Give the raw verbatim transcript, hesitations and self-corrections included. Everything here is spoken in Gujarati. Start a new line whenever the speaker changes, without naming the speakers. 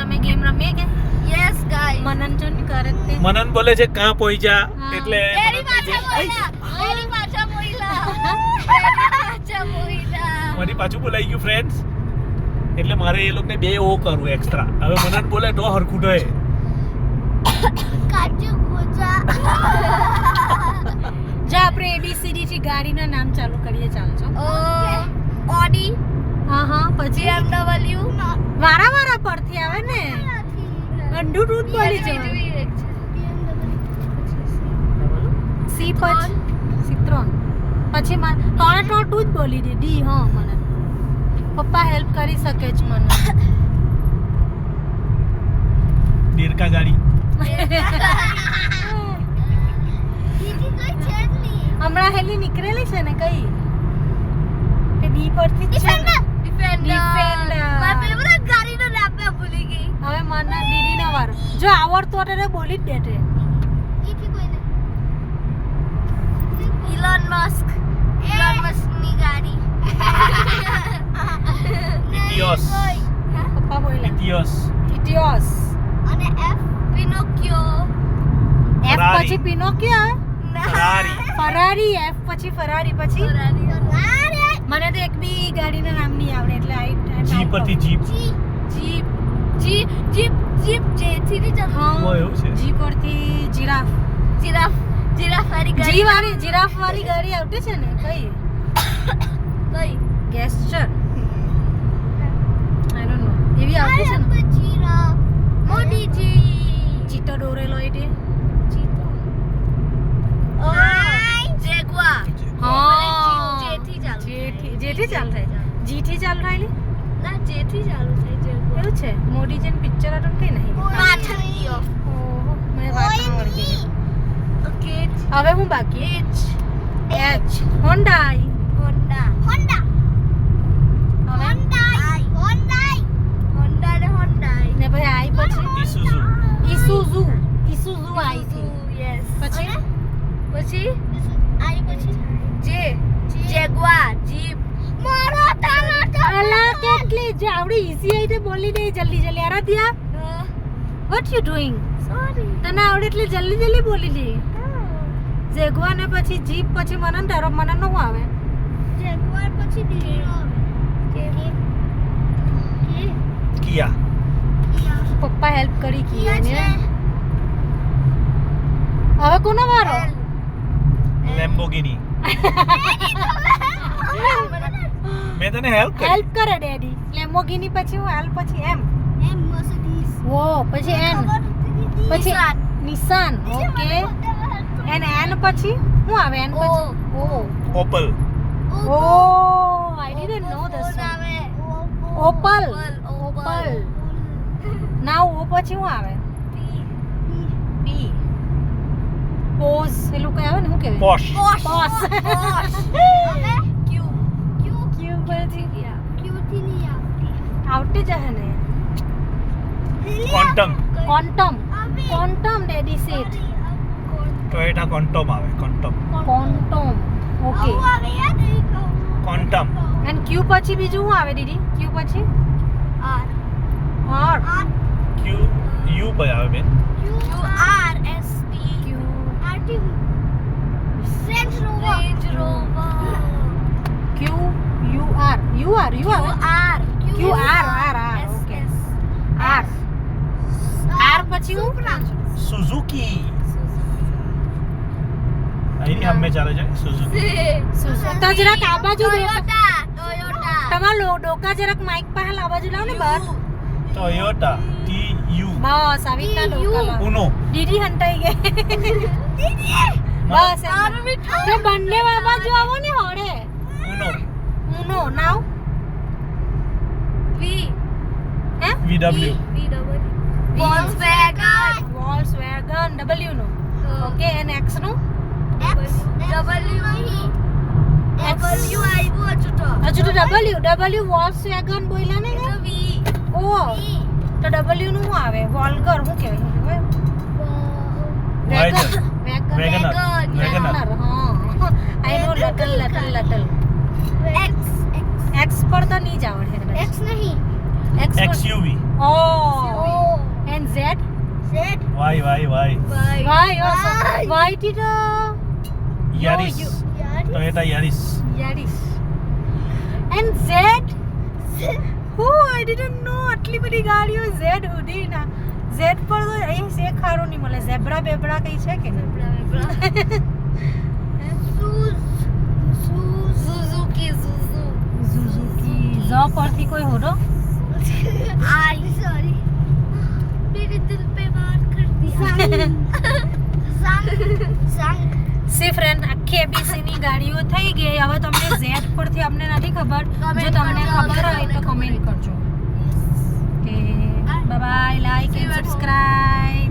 અમે ગેમ રમીએ કે
યસ ગાઈસ
મનન જો ને કરે તે
મનન બોલે છે કાં પહોંચ્યા એટલે
એની પાછા બોલ્યા એની પાછા બોલ્યા એની પાછા બોલ્યા
મારી પાછું બોલાઈ ગયું ફ્રેન્ડ્સ એટલે મારે એ લોકોને બે ઓ કરવું એક્સ્ટ્રા હવે મનન બોલે તો હરખું ઢહે
કાચુ ગોજા
જો આપણે એબીસીડી થી ગાડીના નામ ચાલુ કરીએ ચાલજો
ઓડી
હા હા પછી
બીએમડબલ્યુ
વારા વારા પરથી આવે ને ગંડુ દૂધ બોલી જવાનું સી પછી સિત્રોન પછી માં ત્રણે ત્રણ તું જ બોલી દે ડી હા મને પપ્પા હેલ્પ કરી શકે છે મને
દેરકા ગાડી
હમણાં હેલી નીકળેલી છે ને કઈ તે ડી પરથી જ છે ને
ડિફેન્ડર મારે પેલા બધા ગાડીનો નામ મે ભૂલી ગઈ
હવે મને દીદી નો વારો જો આવડતો એટલે બોલી જ દેતે
ઈથી કોઈને ઇલોન મસ્ક ઇલોન મસ્ક ની ગાડી
ઇટિયોસ
પપ્પા બોલ્યા
ઇટિયોસ
ઇટિયોસ
અને એફ પિનોકિયો
એફ
ફરારી.
પછી પિનોકિયો
ફરારી
ફરારી એફ પછી ફરારી પછી
ફરારી
મને તો એક બી ગાડીના નામ નહીં આવડે એટલે આઈ
જી પરથી jeep
jeep jeep jeep jeep jeep જેથી ની જમ
ઓ એવું છે
જી પરથી જીરાફ
જીરાફ જીરાફ વાળી ગાડી
જી વાળી જીરાફ વાળી ગાડી આવતી છે ને કઈ
કઈ
ગેસ્ચર આઈ ડોન્ટ નો એવી આવતી છે ને
જીરાફ મોટી જી
ચીટો દોરેલો એટલે
ચીતો ઓ જેગુઆર
હા
જેથી ચાલુ
જેથી જેથી ચાલુ થાય જી થી ચાલુ થાયલી
ના જેથી ચાલુ થાય જેગુઆર
એવું છે મોડી જેન પિક્ચર હતું કઈ નહીં
પાછળ ગયો
ઓહો મને વાત આવડી ગઈ
ઓકે
હવે હું બાકી
H
H Hyundai
Honda Honda
હવે
હોન્ડાઈ હોન્ડાઈ હોન્ડા ને હોન્ડાઈ
ને ભાઈ આઈ પછી
ઇસુઝુ
ઈસુઝુ ઈસુઝુ આઈ થી
યસ
પછી
પછી આઈ પછી જે જેગુઆર જીપ મારો તાલા
અલા કેટલી જે આવડી ઈઝી આઈ તે બોલી દે જલ્દી જલ્દી Aradhya what you doing
sorry
તને આવડે એટલે જલ્દી જલ્દી બોલી દે જેગુઆર ને પછી જીપ પછી મનન તારો મનન નું આવે
જેગુઆર પછી ડીનો આવે કે કે
કિયા
પપ્પા હેલ્પ કરી કી
કિયા છે
હવે કોનો વારો
લેમ્બોર્ગિની મેં તને હેલ્પ કરી
હેલ્પ કરે ડેડી લેમ્બોર્ગિની પછી હું હેલ્પ પછી એમ
એમ મર્સિડીઝ
ઓ પછી એન પછી નિસાન ઓકે એન એન પછી શું આવે એન પછી O
Opel
O I didn't know this
આવે
ઓપલ ઓપલ નાઉ ઓ પછી શું આવે પી પોઝ પેલું કઈ આવે ને શું કહેવાય
પોશ
પોસ
હવે ક્યુ ક્યુ
ક્યુ પછી
ક્યુ થી ની આવતી
આવતી જશે ને
quantum
quantum quantum daddy set
Toyota quantum આવે ક્વોન્ટમ
ક્વોન્ટમ ઓકે
આવે યાદ
ક્વોન્ટમ
એન્ડ ક્યુ પછી બીજું શું આવે દીદી ક્યુ પછી
આર
આર
ક્યુ યુ પર આવે બેન
Q R S T
Q
R T range rover range rover
Q U R U R U આવે
R
Q R R R okay R R પછી હું
સુઝુકી અહીં હમે ચાલે છે સુઝુકી
તો જરાક આ બાજુ દો
ટોયોટા ટોયોટા
તમારા લો ડોકા જરાક માઈક પાસે આ બાજુ લાવ ને બહાર
ટોયોટા ટી યુ
બસ આવી રીતના ડોકા લાવ
ઉનો
દીદી હંતાઈ ગઈ બસ એમ. તો બંને આ બાજુ આવો ને હોડે
ઉનો
ઉનો નાવ
વી
હે
VW
V double Volkswagen
Volkswagen W નો ઓકે એન એક્સ નો
એક્સ ડબલ્યુ નહીં ડબલ્યુ આવ્યું હજુ તો
હજુ તો ડબલ્યુ ડબલ્યુ વોલ્ક્સવેગન બોલ્યા ને
તો વી
ઓ તો ડબલ્યુ નું શું આવે વોલ્ગર શું કહેવાય
વાઇગર
વેગન
વેગનર વેગનર
હા આઈ નો લટલ લટલ લટલ
એક્સ
એક્સ પર તો નહીં જ આવડે
એક્સ નહીં
X for-
XUV
Oh.
Oh.
And Z?
Z.
Y Y Y
Bye.
Why? Oh, so,
Why?
why did uh,
Yaris
you-
Yaris.
Toyota Yaris
Yaris? And Z?
Z.
Oh, I didn't know. આટલી બધી ગાડીઓ Z સુધી ના. Z પર તો અહીં છે ખારું નહીં મળે. ઝેબ્રા બેબ્રા કઈ છે કે નહીં?
Blah, blah. Suz. Suz. Suzuki. Suzu.
Suzuki. Z પરથી કોઈ હોરો?
आई सॉरी मेरे दिल पे वार कर दिया संग संग
સી ફ્રેન્ડ આખી એબીસી ની ગાડીઓ થઈ ગઈ. હવે તમને Z પરથી અમને નથી ખબર. જો
Comment
તમને
કરજો,
ખબર હોય તો
comment
કમેન્ટ કરજો. કે bye bye, like and subscribe.